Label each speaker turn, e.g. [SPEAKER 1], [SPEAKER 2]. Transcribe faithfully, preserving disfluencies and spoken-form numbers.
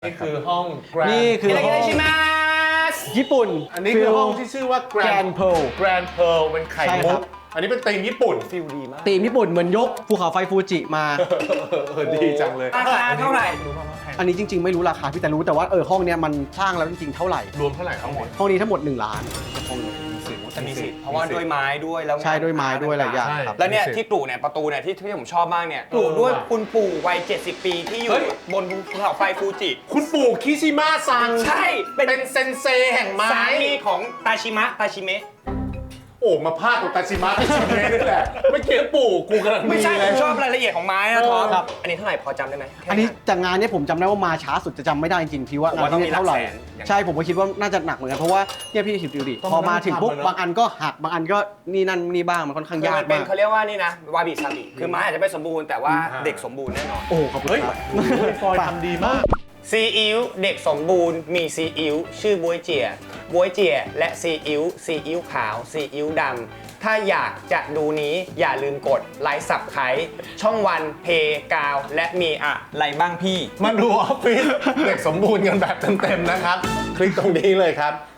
[SPEAKER 1] นี่คือห้อง Grand
[SPEAKER 2] นี่คือห้อง
[SPEAKER 3] ชิมาส
[SPEAKER 2] ญี่ปุ่น
[SPEAKER 1] อันนี้คือห้องที่ชื่อว่า Grand
[SPEAKER 2] Grand Pearl
[SPEAKER 1] Grand Pearl เป็นไข่
[SPEAKER 2] ใช่
[SPEAKER 1] มุ
[SPEAKER 2] ครั
[SPEAKER 1] ก
[SPEAKER 2] บ
[SPEAKER 1] อันนี้เป็นธีมญี่ปุ่น
[SPEAKER 3] ฟิลดีมาก
[SPEAKER 2] ธีมญี่ปุ่นเหมือนยกภูเขาไฟฟูจิมา
[SPEAKER 1] เออดีจังเลย
[SPEAKER 3] ราคาเท่าไหร่
[SPEAKER 2] อันนี้จริง ๆ ไม่รู้ราคาพี่แต่รู้แต่ว่าเออห้องเนี้ยมันสร้างแล้วจริงๆเท่าไหร่
[SPEAKER 1] รวมเท่าไหร่ทั้งหมด
[SPEAKER 2] ห้องนี้ทั้งหมดหนึ่งล้านห้องนี้
[SPEAKER 3] จะมีสิทธิ์เพราะว่าด้วยไม้ด้วยแล้ว
[SPEAKER 2] ใช่ด้วยไม้ด้วยหลายอย่างครับ
[SPEAKER 3] แล้วเนี่ยที่กลุ่เนี่ยประตูเนี่ยที่ที่ผมชอบมากเนี่ยกลุ่ด้วยคุณปู่วัยเจ็ดสิบปีที่อยู่
[SPEAKER 1] เฮ้ย
[SPEAKER 3] บนภูเขาไฟฟูจิ
[SPEAKER 1] คุณปู่คิชิมะซัง
[SPEAKER 3] ใช่เป็น
[SPEAKER 1] เป็นเซนเซแห่งไม้
[SPEAKER 3] สามีของตาชิมะตาชิเมะ
[SPEAKER 1] โอ้มาพาดของตาชิมะตาชิเมะนี่แหละไม่เกี่ยวปู่กูกำลัง
[SPEAKER 3] ไม่ใช่
[SPEAKER 1] เล
[SPEAKER 3] ผ
[SPEAKER 1] ย
[SPEAKER 3] มชอบรายละเอียดของไม้นะท็อป
[SPEAKER 2] ครับ
[SPEAKER 3] อันนี้เท่าไหร่พอจำได้ไหมแค่
[SPEAKER 2] อันนี้จากงานเนี้ยผมจำได้ว่ามาช้าสุดจะจำไม่ได้จริงๆพี่ว่า
[SPEAKER 3] ผม
[SPEAKER 2] งาน
[SPEAKER 3] ว่าต้อง
[SPEAKER 2] ที่
[SPEAKER 3] มี
[SPEAKER 2] นี่เท่าไหร่
[SPEAKER 3] หลักแสนอย่าง
[SPEAKER 2] ใช่ผมก็คิดว่าน่าจะหนักเหมือนกันเพราะว่าเนี่ยพี่คิดดูดิ
[SPEAKER 1] ต้อง
[SPEAKER 2] พอมาถึงปุ๊บ
[SPEAKER 1] ทำอะเนอะ
[SPEAKER 2] บางอันก็หักบางอันก็นี่นั่นนี่บ้างมันค่อนข้างาก
[SPEAKER 3] คือยมันเป็น
[SPEAKER 2] มาก
[SPEAKER 3] เขาเรียกว่านี่นะวาบิซาบิคือไม้อาจจะไม่สมบูรณ์แต่ว่าเด็กสมบูรณ์แน่นอน
[SPEAKER 2] โอ้โหขอบคุณ
[SPEAKER 1] เฮ้ย
[SPEAKER 2] ครับ
[SPEAKER 1] โอ้ยฟอยทำดีมาก
[SPEAKER 3] ซีอิ๊วเด็กสมบูรณ์มีซีอิ๊วชื่อบวยเจียบวยเจียและซีอิ๊วซีอิ๊วขาวซีอิ๊วดำถ้าอยากจะดูนี้อย่าลืมกดไลค์สับไครช่องวันเพกาวและมีอะไรบ้างพี่
[SPEAKER 1] มาดูออฟฟิศเด็กสมบูรณ์กันแบบเต็มๆนะครับ คลิกตรงนี้เลยครับ